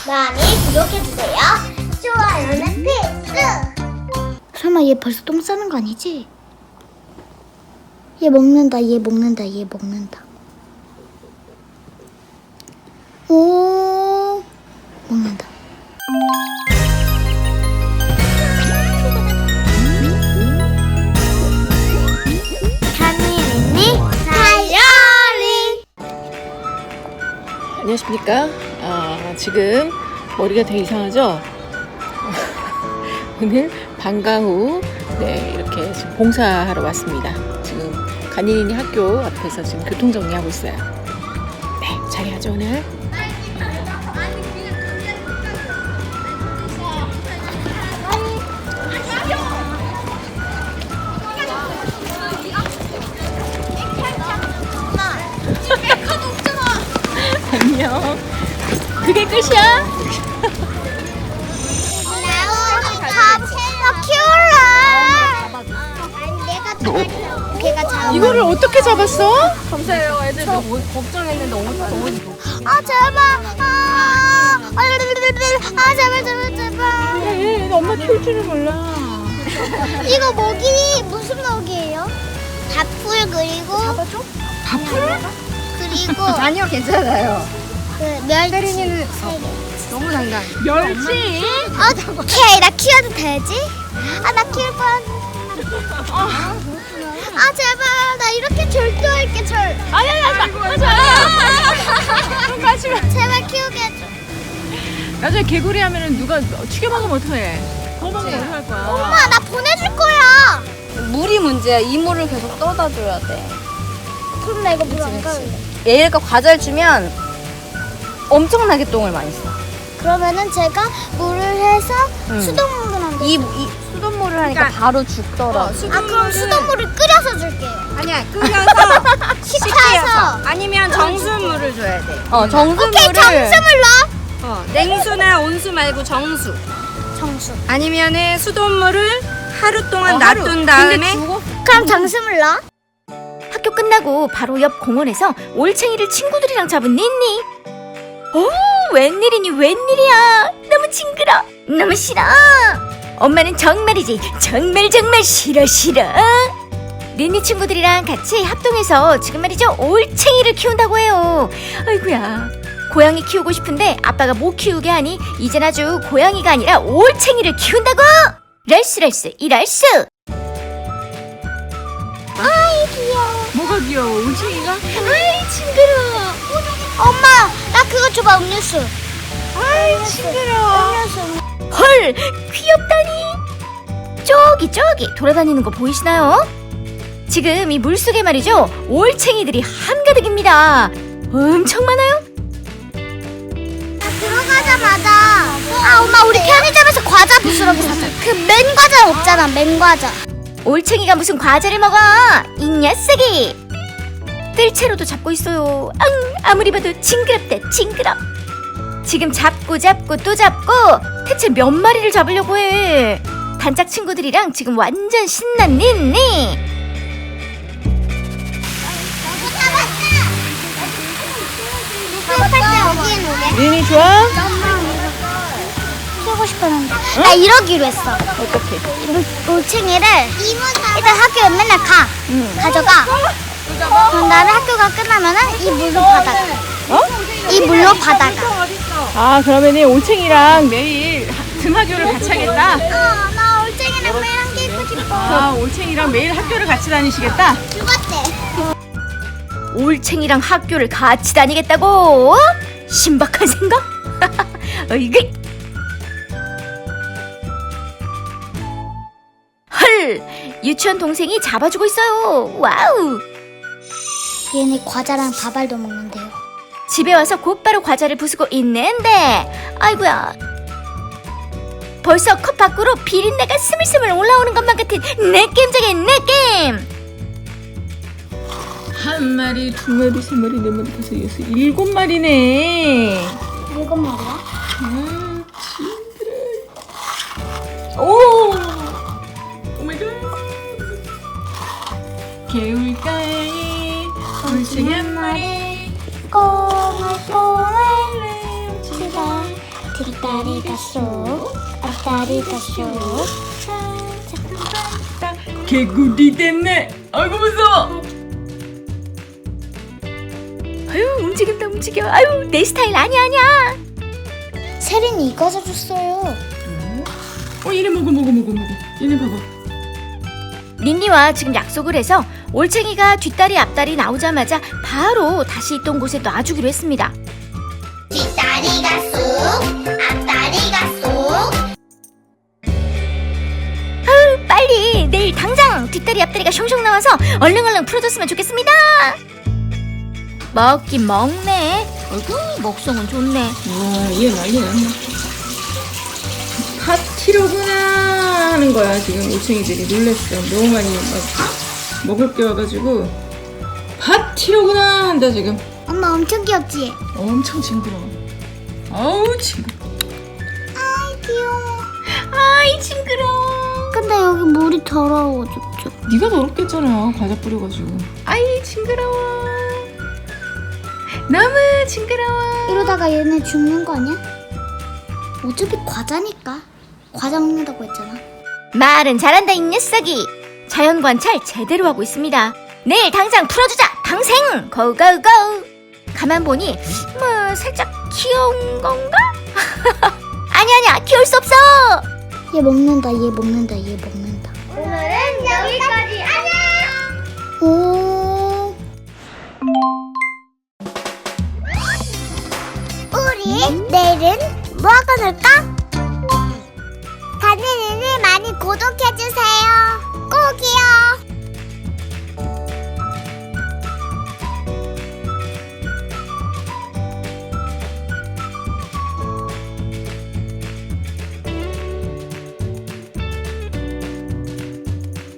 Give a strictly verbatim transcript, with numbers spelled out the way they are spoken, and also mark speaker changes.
Speaker 1: 많이 구독해주세요. 좋아요는 필수.
Speaker 2: 설마 얘 벌써 똥 싸는 거 아니지? 얘 먹는다, 얘 먹는다, 얘 먹는다. 오, 먹는다.
Speaker 1: 간이니 다이어리.
Speaker 3: 안녕하십니까. 아, 지금 머리가 되게 이상하죠? 오늘 방과 후 네, 이렇게 지금 봉사하러 왔습니다. 지금 간이니 학교 앞에서 지금 교통정리하고 있어요. 네, 잘해야죠 오늘. 안녕. 그게 끝이야?
Speaker 1: 나 키울래. 내가 잡아줘. 걔가 잡아.
Speaker 3: 이거를 어떻게 잡았어?
Speaker 4: 감사해요. 애들 너무 걱정했는데 너무 너무
Speaker 1: 아 제발. 아, 아, 아 제발 제발 제발.
Speaker 3: 네, 엄마 키울 줄을 몰라.
Speaker 1: 이거 먹이 무슨 먹이에요? 밥풀 그리고 잡아줘?
Speaker 3: 밥풀?
Speaker 1: 그리고
Speaker 4: 아니요 괜찮아요.
Speaker 1: 그 멸치.
Speaker 4: 혜린이는 너무 장난.
Speaker 3: 멸치?
Speaker 1: 오케이 나 키워도 되지? 아 나 키울 뻔. 아 제발 나 이렇게 절도할게 절.
Speaker 3: 아니 아니 아니 맞아. 가지마.
Speaker 1: 제발 키우게 해줘.
Speaker 3: 나중에 개구리 하면은 누가 튀겨 먹으면 어떡해? 더 먹으면 어떡할 거야?
Speaker 1: 엄마 나 보내줄 거야.
Speaker 4: 물이 문제야. 이물을 계속 떠다 줘야 돼.
Speaker 1: 그럼 나 이거 물 안 가는데.
Speaker 4: 얘가 과자를 주면 엄청나게 똥을 많이 써.
Speaker 1: 그러면은 제가 물을 해서
Speaker 4: 응.
Speaker 1: 수돗물을 한다.
Speaker 4: 이, 이 수돗물을 하니까 바로 죽더라고.
Speaker 1: 아 그럼 수돗물을 끓여서 줄게요.
Speaker 4: 아니야 끓여서
Speaker 1: 식혀서.
Speaker 5: 아니면 정수물을 줘야 돼.
Speaker 4: 어 정수물을
Speaker 1: 오케이 정수물 넣어.
Speaker 5: 어, 냉수나 온수 말고 정수.
Speaker 1: 정수.
Speaker 5: 아니면은 수돗물을 하루 동안
Speaker 4: 어, 하루.
Speaker 5: 놔둔 다음에
Speaker 4: 근데 죽어?
Speaker 1: 그럼 정수물 넣어.
Speaker 6: 학교 끝나고 바로 옆 공원에서 올챙이를 친구들이랑 잡은 니니. 오, 웬일이니 웬일이야. 너무 징그러. 너무 싫어. 엄마는 정말이지 정말 정말 싫어 싫어. 니니 친구들이랑 같이 합동해서 지금 말이죠 올챙이를 키운다고 해요. 아이고야, 고양이 키우고 싶은데 아빠가 못 키우게 하니 이젠 아주 고양이가 아니라 올챙이를 키운다고. 랄스랄스 이랄스.
Speaker 1: 아이 귀여워.
Speaker 3: 뭐가 귀여워? 올챙이가?
Speaker 1: 아이 징그러워. 엄마 나 그거 줘봐 음료수. 아이 징그러워. 음료수.
Speaker 6: 헐, 귀엽다니. 저기 저기 돌아다니는 거 보이시나요? 지금 이 물속에 말이죠 올챙이들이 한가득입니다. 엄청 많아요.
Speaker 1: 나 들어가자마자 아 엄마 우리 편의점에서 과자 부스러기 샀어. 그 맨 과자 없잖아 맨 과자.
Speaker 6: 올챙이가 무슨 과자를 먹어? 이 녀석이 뜰채로도 잡고 있어요. 앙, 아무리 봐도 징그럽다 징그러. 지금 잡고 잡고 또 잡고 대체 몇 마리를 잡으려고 해. 단짝 친구들이랑 지금 완전 신난 니니.
Speaker 1: 수업할 때 여기에 오게.
Speaker 3: 니니 좋아?
Speaker 1: 키우고 싶었는데 나 이러기로 했어.
Speaker 3: 어떡해?
Speaker 1: 올- 올챙이를 일단 학교에 맨날 가 가져가. 그런 다음에 학교가 끝나면은 이 물로 바다가.
Speaker 3: 어?
Speaker 1: 이 물로 바다가.
Speaker 3: 아, 그러면은 올챙이랑 매일 등하교를 같이 하겠다?
Speaker 1: 어, 나 올챙이랑 매일 함께 있고 싶어.
Speaker 3: 아, 올챙이랑 매일 학교를 같이 다니시겠다?
Speaker 1: 죽었대.
Speaker 6: 올챙이랑 학교를 같이 다니겠다고? 신박한 생각? 어이구. 헐, 유치원 동생이 잡아주고 있어요. 와우.
Speaker 1: 얘네 과자랑 밥알도 먹는데요.
Speaker 6: 집에 와서 곧바로 과자를 부수고 있는데 아이고야, 벌써 컵 밖으로 비린내가 스물스물 올라오는 것만 같은 느낌적인 느낌.
Speaker 3: 한 마리, 두 마리, 세 마리, 네 마리, 다섯, 여섯, 일곱 마리네.
Speaker 1: 일곱 마리야?
Speaker 3: 아, 징그러. 오! 오 마이 갓. 개울가에 올챙이 한 마리.
Speaker 1: 꼬물꼬물 치다 뒷다리가 쏙, 앞다리가 쏙.
Speaker 3: 개구리 됐네. 아이고 무서워.
Speaker 6: 아유 움직인다 움직여. 아유 내 스타일 아니야 아니야.
Speaker 1: 세린이 이거 사줬어요.
Speaker 3: 어 얘네 먹어 먹어 먹어 먹어. 얘네 봐봐.
Speaker 6: 닌니와 지금 약속을 해서 올챙이가 뒷다리 앞다리 나오자마자 바로 다시 있던 곳에 놔주기로 했습니다.
Speaker 1: 뒷다리가 쏙, 앞다리가 쏙.
Speaker 6: 빨리 내일 당장 뒷다리 앞다리가 숑숑 나와서 얼른 얼른 풀어줬으면 좋겠습니다. 먹긴 먹네. 어이구 먹성은 좋네.
Speaker 3: 와얘 난리 났네. 파티로구나 하는 거야 지금 올챙이들이 놀랬어. 너무 많이 막 먹을 게 와가지고 파티로구나 한다 지금.
Speaker 1: 엄마 엄청 귀엽지?
Speaker 3: 엄청 징그러워. 아우 징그러.
Speaker 1: 아이 귀여워.
Speaker 6: 아이 징그러워.
Speaker 1: 근데 여기 물이 더러워 쭉.
Speaker 3: 네가 더럽겠잖아 과자 뿌려가지고.
Speaker 6: 아이 징그러워. 너무 징그러워.
Speaker 1: 이러다가 얘네 죽는 거 아니야? 어차피 과자니까. 과자 먹는다고 했잖아.
Speaker 6: 말은 잘한다 이 녀석이. 자연 관찰 제대로 하고 있습니다. 내일 당장 풀어주자 방생 고고고. 가만 보니 뭐 살짝 귀여운 건가? 아니 아니야 귀여울 수 없어.
Speaker 1: 얘 먹는다, 얘 먹는다, 얘 먹는다.
Speaker 6: 오늘은 여기까지.
Speaker 1: 오. 우리 내일은 뭐 하고 놀까? 다니는 일 많이 구독해주세요.